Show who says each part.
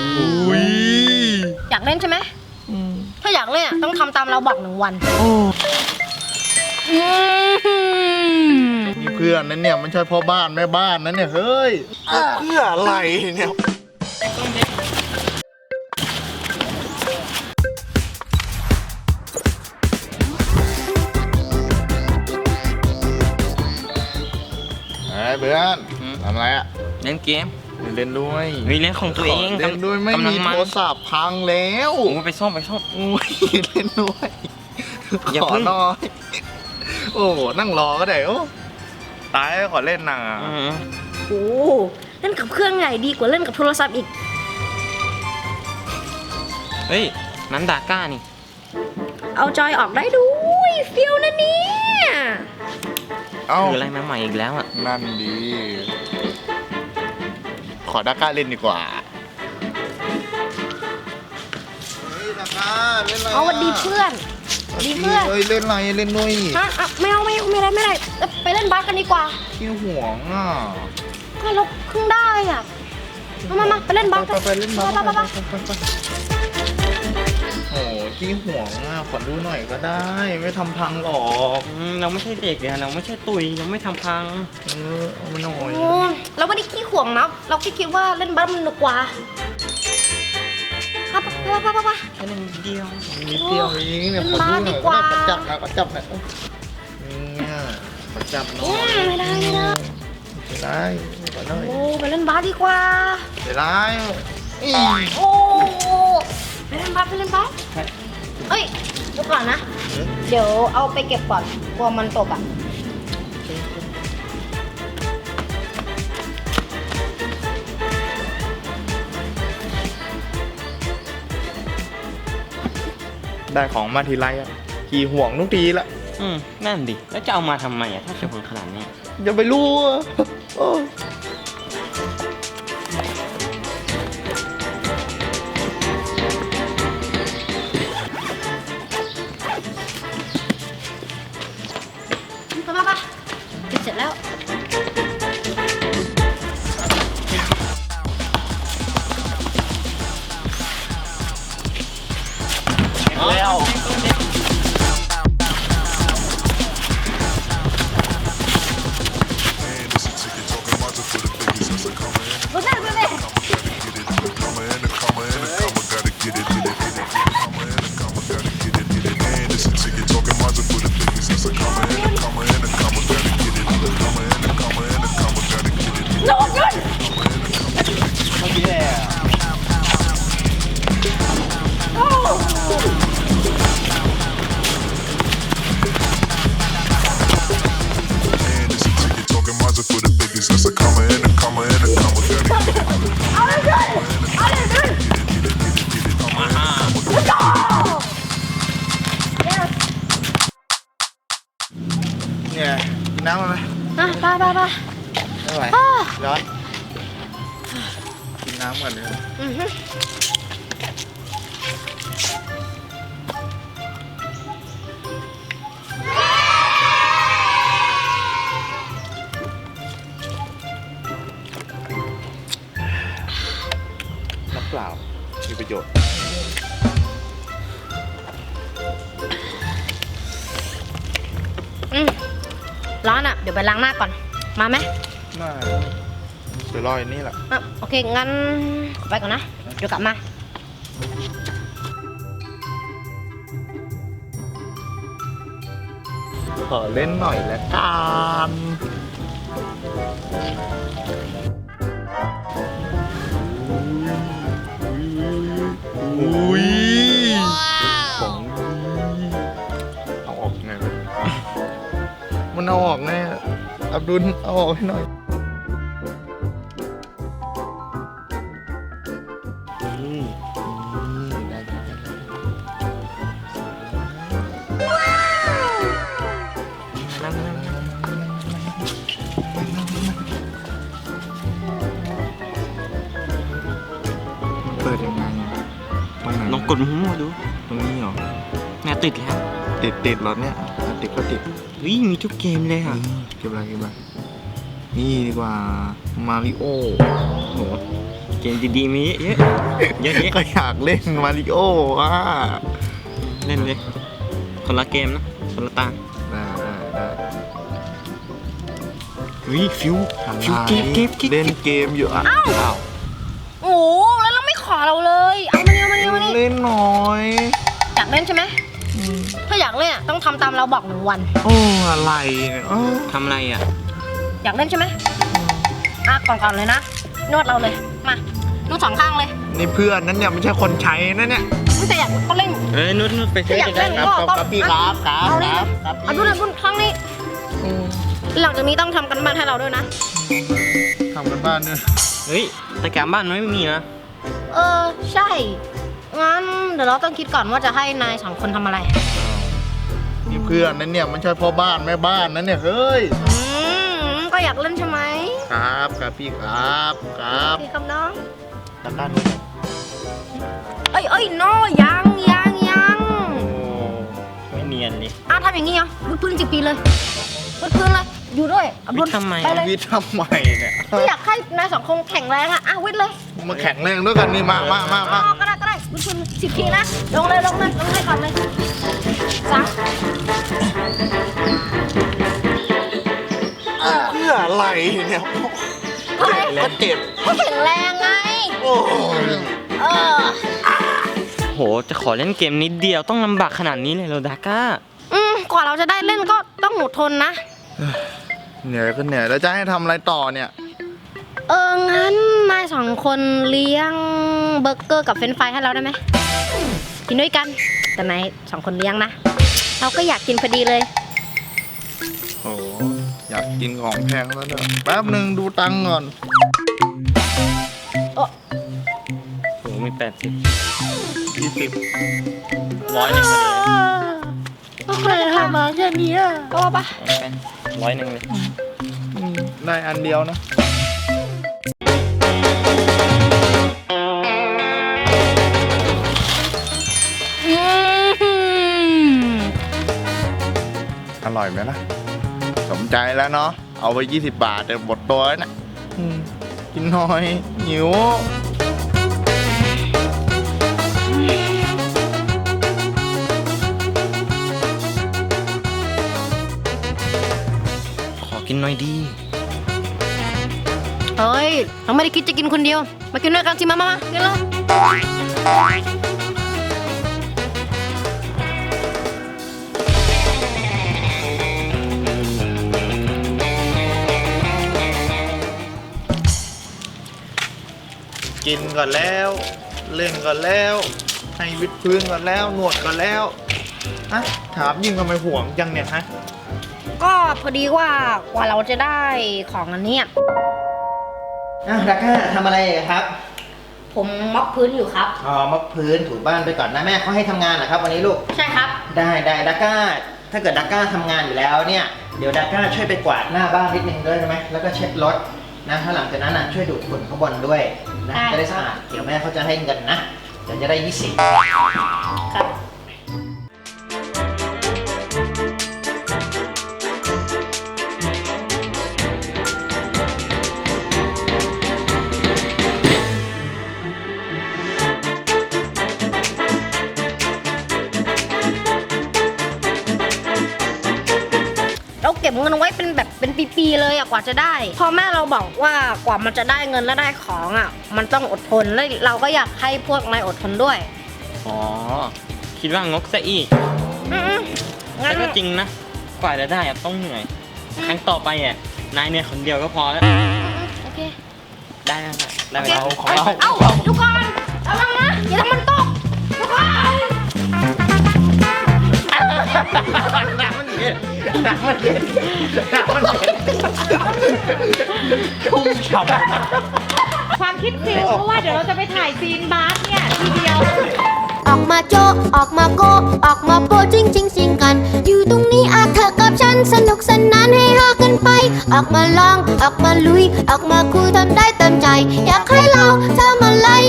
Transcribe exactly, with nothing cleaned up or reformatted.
Speaker 1: อุ้ย
Speaker 2: อยากเล่นใช่ไหมถ้าอยากเล่นต้องทำตามเราบอกหนึ่งวัน
Speaker 1: นี่เพื่อนนั่นเนี่ยมันใช่พ่อบ้านแม่บ้านนั่นเนี่ยเฮ้ยเพื่ออะไรเนี่ยไอ้เพื่อนทำอะไรอะ
Speaker 3: เล่นเกม
Speaker 1: เล่นด้วย
Speaker 3: มีเล่นของตัวเอง
Speaker 1: เล่นด้วยไม่มีโทรศัพท์พังแล้ว
Speaker 3: โอ้ไปซ่อมไปซ่อม
Speaker 1: โอ้ยเล่นด้วยขอหน่อยโอ้นั่งรอก็ได้โอ้ตายขอเล่นหน่ะ
Speaker 2: โอ้เล่นกับเครื่องใหญ่ดีกว่าเล่นกับโทรศัพท์อีก
Speaker 3: เฮ้ยนั้นดาก้านี่
Speaker 2: เอาจอยออกได้ด้วยฟิลนะเนี่ย
Speaker 3: คืออะไรมาใหม่อีกแล้วอ่ะ
Speaker 1: นั่นดีขอดาก้าเล่นดีกว่าเฮ้ยดาก้าเล่นอะไร
Speaker 2: เอาวันดีเพื่อนดีเพื่อน
Speaker 1: เฮ้ยเล่นอะไรเล่นด้วย
Speaker 2: ฮะไม่เอาไม่เอาไม่ได้ไม่ได้ไปเล่นบาสกันดีกว่า
Speaker 1: ขี้ห่วงอ่ะ
Speaker 2: ก็เราเพิ่งได้อ่ะมามามาไปเล่นบาสกัน
Speaker 1: ไปเล่นบาสโอ้ขี้ห่วงอ่ะขอดูหน่อยก็ได้ไม่ทำพังหรอก
Speaker 3: เราไม่ใช่เด็กเนี่ยเราไม่ใช่ตุยเราไม่ทำพัง
Speaker 1: เออเอาไปหน่อย
Speaker 2: เราไม่ได้ขี้ห่วงนะเราแค่คิดว่าเล่นบาสมันสนุกกว่าไปไปไปไปไป
Speaker 3: แค่นิดเดียว
Speaker 1: นิดเดียวเองเนี่ยขอดูหน่อยก็ได้จับนะก็จับนะเนี่ยมาจับหน่อย
Speaker 2: ไม่ได้ไม่ได้
Speaker 1: ไม่ได้ขอหน่อย
Speaker 2: โอ้ไปเล่นบาสดีกว่า
Speaker 1: ไม่ได้
Speaker 2: โอ้ไปเล่นบาสไปเล่นบาสเอ้ยเดี๋ยวก่อนนะเดี๋ยวเอาไปเก็บก่อนกลัวมันตกอ่ะ
Speaker 1: ได้ของมาทีไรอ่ะขี่ห่วงทุกทีละ
Speaker 3: อืมนั่นดิแล้วจะเอามาทำไมอ่ะถ้าเกิดคนขนาดนี้
Speaker 1: อย่าไปรู้
Speaker 2: มาปะเสร็จแล้ว
Speaker 1: แล้วเนี่ยน้ำมาไหม
Speaker 2: อ่ะไปไปไป
Speaker 1: ไม่ไหวร้อนกินน้ำก่อนเลยน้ำเปล่ามีประโยชน์
Speaker 2: อืมร้อนอ่ะเดี๋ยวไปล้างหน้าก่อนมาไหม
Speaker 1: มาเดี๋ยวรออยู่นี่แหละ
Speaker 2: อ่ะโอเคงั้นไปก่อนนะเดี๋ยวกลับมา
Speaker 1: ขอเล่นหน่อยละกันอุ้ยของเอาออกไงมันเอาออกไงอับดุลเอาออกให้หน่อยเปิดยังไงตรงไหน
Speaker 3: ลองกดหูมาดู
Speaker 1: ตรงนี้เหรอ
Speaker 3: เนี่ยติดแล้ว
Speaker 1: ติดติดรถเนี่ยติดก็ติด
Speaker 3: วิ่งมีทุกเกมเลยค่ะ
Speaker 1: เก็บอะไรเก็บอะไรนี่ดีกว่ามาริโอโห
Speaker 3: เกมดีๆมีเยอะเยอะเยอะ
Speaker 1: ก็อยากเล่นมาริโอ้อ่ะ
Speaker 3: เล่นเลยคนละเกมนะคนละตา
Speaker 1: ได้ได้ได้
Speaker 3: วิฟิว
Speaker 1: อะไร
Speaker 3: ฟิวเก็บเก็บเก็บ
Speaker 1: เล่นเกมอยู่อ่ะ
Speaker 2: อ้าว
Speaker 1: อ้าว
Speaker 2: โอ้โหแล้วเราไม่ขอเราเลยเอามานี่เอามานี่เอามานี่
Speaker 1: เล่นหน่อย
Speaker 2: อยากเล่นใช่ไหมถ้าอยากเล่นอะต้องทำตามเราบอกหนึ่งวัน
Speaker 1: โอ้อะไรเนี่ยอ้าว
Speaker 3: ทำอะไรอ่ะ
Speaker 2: อยากเล่นใช่ไหมอ่ะก่อนๆเลยนะนวดเราเลยมานวดสองข้างเลย
Speaker 1: นี่เพื่อนนั้นเนี่ยไม่ใช่คนใช้นะเนี่ย
Speaker 2: แต่อยากก็เล่น
Speaker 3: เอ้ยนุชนุชไปซื้อ
Speaker 2: อยาก
Speaker 3: จะ
Speaker 2: เล่
Speaker 3: ได้
Speaker 2: น
Speaker 3: ครับ
Speaker 2: ก็ต้อง
Speaker 1: ครับพี่ครับครับ
Speaker 2: เอาเลย
Speaker 1: ครับครับ
Speaker 2: เอาดูเลยบุญครั้งนี้ หลังจากนี้ต้องทำกันบ้านให้เราด้วยนะ
Speaker 1: ทำกันบ้านเนี่ย
Speaker 3: เฮ้ยแต่การบ้านไม่มีนะ
Speaker 2: เออใช่งั้นเดี๋ยวเราต้องคิดก่อนว่าจะให้นายสองคนทำอะไร
Speaker 1: นี่เพื่อนนั้นเนี่ยมันใช่พ่อบ้านแม่บ้านนั้นเนี่ยเฮ้ย
Speaker 2: อืมก็อยากเล่นใช่ไหม
Speaker 1: ครับครับพี่ครับครับ
Speaker 2: พี่คำน้อง
Speaker 1: ตะกร้านู้น
Speaker 2: เอ้ยเอ้ยโนยังยังยัง
Speaker 3: ไม่เนียนเลย
Speaker 2: อ่ะทำอย่างงี้เหรอวุ้นพื้นสิบปีเลยวุ้นพื้นเลยอยู่ด้วยอับดุล
Speaker 3: วิทย์ทำไม
Speaker 2: ไปเลย
Speaker 1: วิทย์ทำไมเนี่ย
Speaker 2: ก็อยากให้นายสองคนแข็งแรงอ่ะอ่ะวิทย์เลย
Speaker 1: มาแข่งแรงด้วยกันนี่มามามา
Speaker 2: อ๋
Speaker 1: มา
Speaker 2: อก็ได้ก็ได้วุ้นพื้นสิบทีนะลงเลยลงเลยลงเลยก่อนเลยสาม
Speaker 1: เพื่ออะไรเนี่ย
Speaker 2: เฮ้ย
Speaker 1: ก็เจ็บ
Speaker 2: ให้แข็งแรงไง
Speaker 1: โอ้ย
Speaker 2: เออ
Speaker 3: โหจะขอเล่นเกมนิดเดียวต้องลำบากขนาดนี้เลยเหรอดาก้า
Speaker 2: อืมกว่าเราจะได้เล่นก็ต้องอดทนนะ
Speaker 1: เหนื่อยก็เหนื่อยแล้วจะให้ทำอะไรต่อเนี่ย
Speaker 2: เอองั้นนายสองคนเลี้ยงเบอร์เกอร์กับเฟรนช์ฟรายให้เราได้ไหมกินด้วยกันแต่นายสองคนเลี้ยงนะเราก็อยากกินพอดีเลย
Speaker 1: โอ้อยากกินของแพงแล้วเนี่ยแป๊บหนึ่งดูตังค์ก่อน
Speaker 2: โอ้
Speaker 3: โหมีแปดสิบ
Speaker 1: ยี่สิบ
Speaker 3: ร้อยหนึ่งเลย
Speaker 2: ก็เคยทำมาแค่นี้ก็ว่าปะ
Speaker 3: เอาไปร้อยหนึ่งเลย
Speaker 1: ได้อันเดียวนะ
Speaker 2: อืม
Speaker 1: อร่อยไหมล่ะ สมใจแล้วเนาะ เอาไปยี่สิบบาทแต่หมดตัวแล้วนะอืมกินหน่อยหิว
Speaker 3: ขอกินหน่อยดี
Speaker 2: เฮ้ยเราไม่ได้คิดจะกินคนเดียว มากินด้วยกันสิมามามากินเลย
Speaker 1: กินก่อนแล้ว เล่นก่อนแล้ว ให้วิดพื้นก่อนแล้วนวดก่อนแล้วฮะถามยิ่งทำไมห่วงจังเนี่ยฮะ
Speaker 2: ก็พอดีว่ากว่าเราจะได้ของอันเนี้ย
Speaker 4: อ่ะดักก้าทำอะไรครับ
Speaker 2: ผมม็อบพื้นอยู่ครับ
Speaker 4: อ๋อมอบพื้นถูบ้านไปก่อนนะแม่เขาให้ทำงานเหรอครับวันนี้ลูก
Speaker 2: ใช่ครับ
Speaker 4: ได้ได้ดักก้า ถ้าเกิดดักก้าทำงานอยู่แล้วเนี่ย เดี๋ยวดักก้าช่วยไปกวาดหน้าบ้านนิดนึงด้วยได้ไหมแล้วก็เช็ดรถนะถ้าหลังจากนั้นนะช่วยดูดฝุ่นข้างบนด้วยนะ
Speaker 2: ได้
Speaker 4: จะได้สะอาดเดี๋ยวแม่เขาจะให้เงินนะเดี๋ยวจะได้ยี่สิบ
Speaker 2: ครับ เราเก็บเงินไว้เป็นแบบเป็นปีๆเลยอะกว่าจะได้พอแม่เราบอกว่ากว่ามันจะได้เงินและได้ของอะมันต้องอดทนแล้วเราก็อยากให้พวกนายอดทนด้วย
Speaker 3: อ๋อ คิดว่างกซะอีก
Speaker 2: อืมๆงั้
Speaker 3: แต่
Speaker 2: น
Speaker 3: ก็จริงนะ กว่าจะได้อะต้องเหนื่อย ครั้งต่อไปอ่ะ นายเนี่ยคนเดียวก็พอแล้ว
Speaker 2: โอเค
Speaker 3: ได้แล้วนะได้
Speaker 2: โอ
Speaker 3: เว
Speaker 2: เค
Speaker 3: ลา
Speaker 1: ของเรา
Speaker 2: เอ้าทุกคนระวังนะอย่าทำมันตกทุกคน
Speaker 1: น้ำมันเย็นน้ำมันเย็นน้ำมันเย็นชุ่มฉ่ำ
Speaker 5: ความคิดฟิลเพราะว่าเดี๋ยวเราจะไปถ่ายซีนบาสเนี่ย ทีเดียว
Speaker 6: ออกมาโจะออกมาโกะออกมาโปะจริงจริงสิงกัน อยู่ตรงนี้อาเธอกับฉันสนุกสนานให้ฮากันไป ออกมาลอง ออกมาลุย ออกมาคุยทำได้เต็มใจ อยากให้เราทำอะไร